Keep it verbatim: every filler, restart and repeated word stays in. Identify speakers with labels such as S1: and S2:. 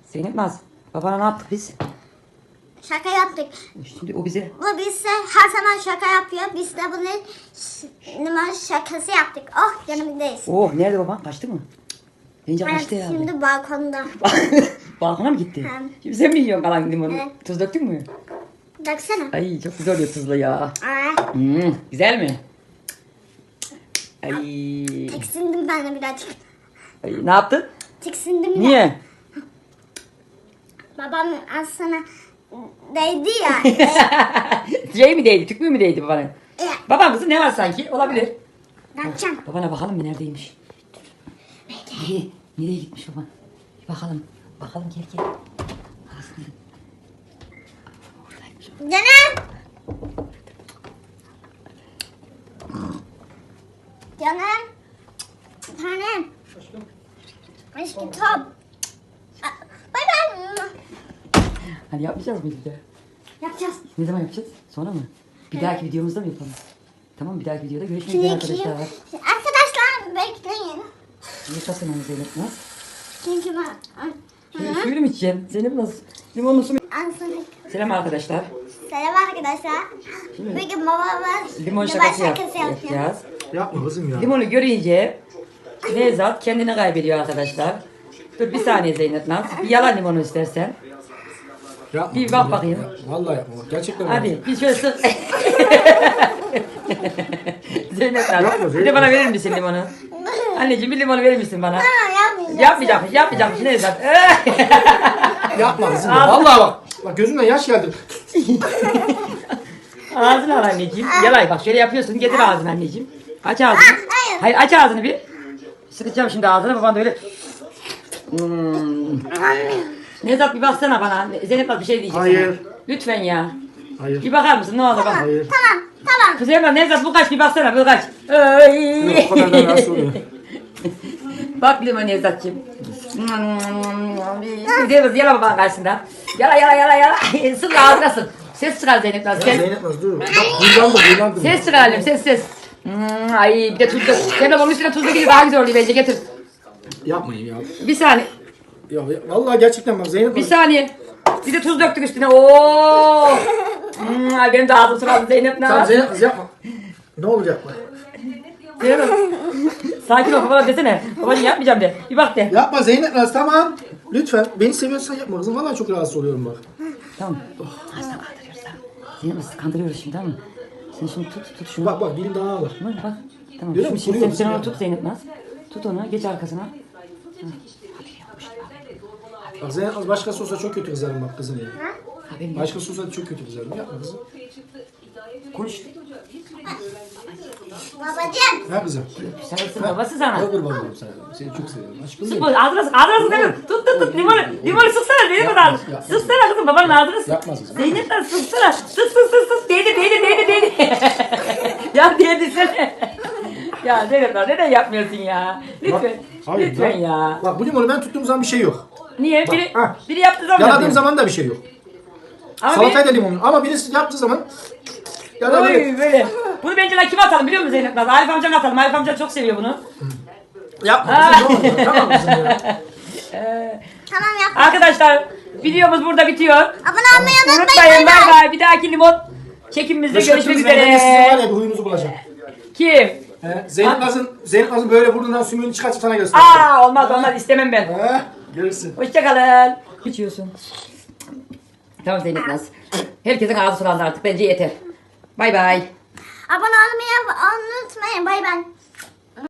S1: Zeynep Naz, babana ne yaptık biz?
S2: Şaka yaptık.
S1: Şimdi o bize...
S2: Bu bizse her zaman şaka yapıyor. Biz de bunu limon şakası yaptık. Oh yanımdayız.
S1: Oh, nerede baban? Kaçtı mı? Bence
S2: Evet,
S1: kaçtı herhalde.
S2: şimdi balkonda.
S1: Balkona mı gitti?
S2: Hı.
S1: Şimdi sen mi yiyorsun kalan limonu?
S2: Evet.
S1: Tuz döktün mü?
S2: Baksana.
S1: Ay çok güzel oluyor tuzlu ya.
S2: Aa,
S1: Hmm, güzel mi? Ay,
S2: tiksindim ben de birazcık.
S1: ay ne yaptın?
S2: Tiksindim ya.
S1: Niye?
S2: Babam az sana değdi ya. e,
S1: Şey mi değdi? Tükmüğü mü değdi babana?
S2: e,
S1: Baban kızı ne var sanki? Olabilir.
S2: ne yapacağım?
S1: Babana bakalım bir neredeymiş. Nereye, nereye gitmiş baban? Bir bakalım. Bakalım gel gel. Aslında. Oradaymış.
S2: Canım. Canım. Tanem. Aşkım top. Aa, Bay bay.
S1: Hani yapmayacağız mıydı bir de?
S2: Yapacağız.
S1: Ne zaman yapacağız? Sonra mı? Bir dahaki videomuzda mı yapalım? Tamam bir dahaki videoda görüşmek
S2: Şimdi
S1: üzere
S2: arkadaşlar.
S1: arkadaşlar.
S2: Arkadaşlar bekleyin.
S1: Yıkasın onu Zeynep Naz.
S2: Çünkü ben...
S1: Şimdi suyunu mu içeceksin? Zeynep Naz. Limonlu su mu?
S2: Ansana.
S1: Selam arkadaşlar.
S2: Selam arkadaşlar. Bugün babamız
S1: Limon
S2: limon
S1: şakası yap-
S2: şakası yapıyor.
S1: yapacağız.
S3: Yapma kızım ya.
S1: Limonu görünce Nevzat kendini kaybediyor arkadaşlar. Dur bir saniye Zeynep Naz. Bir yalan limonu istersen.
S3: Yapma
S1: Bir
S3: kızım,
S1: bak
S3: yapma.
S1: bakayım.
S3: Vallahi yapma. Bak, gerçekten
S1: Hadi
S3: yapma.
S1: bir şöyle sık. Zeynep Naz.
S3: Yapma,
S1: Bir de
S3: Zeynep.
S1: bana verir misin limonu? Anneciğim bir limonu verir misin bana?
S2: Ha, yapmayacağım.
S1: Yapmayacakmış, yapmayacakmış Nevzat.
S3: Yapma kızım ya. Vallahi bak. Bak gözümden yaş geldi.
S1: Ağzını al anneciğim. Yalay bak şöyle yapıyorsun. Getir ağzını anneciğim. Aç ağzını.
S2: hayır.
S1: Hayır aç ağzını bir. Sıkacağım şimdi ağzını. Baban da öyle. Hmm. Nevzat bir baksana bana. Zeynep bak bir şey diyecek
S3: Hayır.
S1: sana. Lütfen ya.
S3: Hayır.
S1: Bir bakar mısın? Ne olur bak.
S3: Hayır.
S2: Tamam tamam.
S1: Kızım Emrah Nevzat bu kaç bir baksana bu kaç. Ay.
S3: Yok, o kadar da rahatsız oluyor.
S1: Bak limon Nevzat'cığım. Nevzat yala babanın karşısında. Yala yala yala yala. Sık ağzına sık. Ses çıkar Zeynep Naz.
S3: Ya
S1: Ses.
S3: Zeynep Naz dur. Bak huylandım huylandım.
S1: Ses çıkaralım ses ses. Hmm, ay bir de tuzlu. Zeynep onun üstüne tuzlu gibi daha güzel oluyor bence getir.
S3: Yapmayın ya.
S1: Bir saniye.
S3: Ya, ya vallahi gerçekten bak Zeynep
S1: Bir
S3: Naz.
S1: saniye. Bir de tuz döktük üstüne. Oo. Hmm, ay benim de ağzım sıralı Zeynep
S3: Tamam
S1: Naz.
S3: Zeynep Naz yapma. Ne olacak bak.
S1: Zeynep. Sakin ol babana desene. Babacığım yapmayacağım de. Bir bak de.
S3: Yapma Zeynep Naz tamam. Lütfen. Beni seviyorsan yapma kızım. Vallahi çok rahatsız oluyorum bak.
S1: Tamam. Aslında kandırıyoruz tamam. Zeynep Naz kandırıyoruz şimdi tamam mı? Sen şimdi tut tut şunu.
S3: Bak bak dilim daha ağır.
S1: Bak bak. Tamam.
S3: Görüyor
S1: Şimdi,
S3: musun?
S1: şimdi sen,
S3: Kuruyor
S1: sen onu
S3: musun
S1: tut Zeynep Naz. Tut onu geç arkasına.
S3: Bak Zeynep Naz başkası olsa çok kötü kızarım bak kızım ya.
S1: Haberin yok.
S3: Başkası olsa çok kötü kızarım. Yapma kızım.
S1: Konuş.
S2: Babacığım.
S3: Ha kızım.
S1: Sarılsın babası sana.
S3: Ne kurban olayım sana. Seni çok seviyorum. Aşkım
S1: Sık
S3: benim.
S1: bu ağzına sık ağzına sık hemen. Tut tut tut limonu limonu sıksana Zeynep Naz.
S3: yapma.
S1: Sıksana kızım babanın ağzına sık.
S3: Yapmaz kızım.
S1: Zeynep Naz sıksana. Sık sık sık sık. Değdi değdi değdi değdi. Ya değdirsene. Ya Zeynep Naz neden yapmıyorsun ya? Lütfen.
S3: Hayır,
S1: Lütfen
S3: ya.
S1: ya.
S3: Bak bu limonu ben tuttuğum zaman bir şey yok.
S1: Niye? Biri,
S3: ha.
S1: biri yaptığı zaman
S3: Yaladığım
S1: yapıyor.
S3: zaman da bir şey yok.
S1: Ama
S3: Salatayı da
S1: biri,
S3: limonlu. Ama birisi yaptığı zaman ya da
S1: Oy,
S3: böyle
S1: böyle. Bunu bence lan kime atalım biliyor musun Zeynep Naz? Arif amcana atalım. Arif amca çok seviyor bunu.
S3: yapma kızım ne olur. Tamam kızım ya.
S2: Tamam yap.
S1: Arkadaşlar videomuz burada bitiyor.
S2: Abone olmayı unutmayın.
S1: Unutmayın
S2: Bay
S1: bay
S2: bay.
S1: bay. Bir dahaki limon çekimimizde
S3: Başka
S1: görüşmek
S3: türlü ben de sizin var
S1: üzere.
S3: ya bir huyunuzu bulacağım.
S1: Kim?
S3: He, Zeynep Naz'ın Zeynep Naz'ın böyle burnundan sümüğünü çıkartıp sana göster.
S1: Aa olmaz olmaz istemem ben.
S3: He, görürsün.
S1: Hoşçakalın. İçiyorsun. Tamam Zeynep Naz. Herkesin ağzı sulandı artık. Bence yeter. Bay bay.
S2: Abone olmayı unutmayın. Bay bay.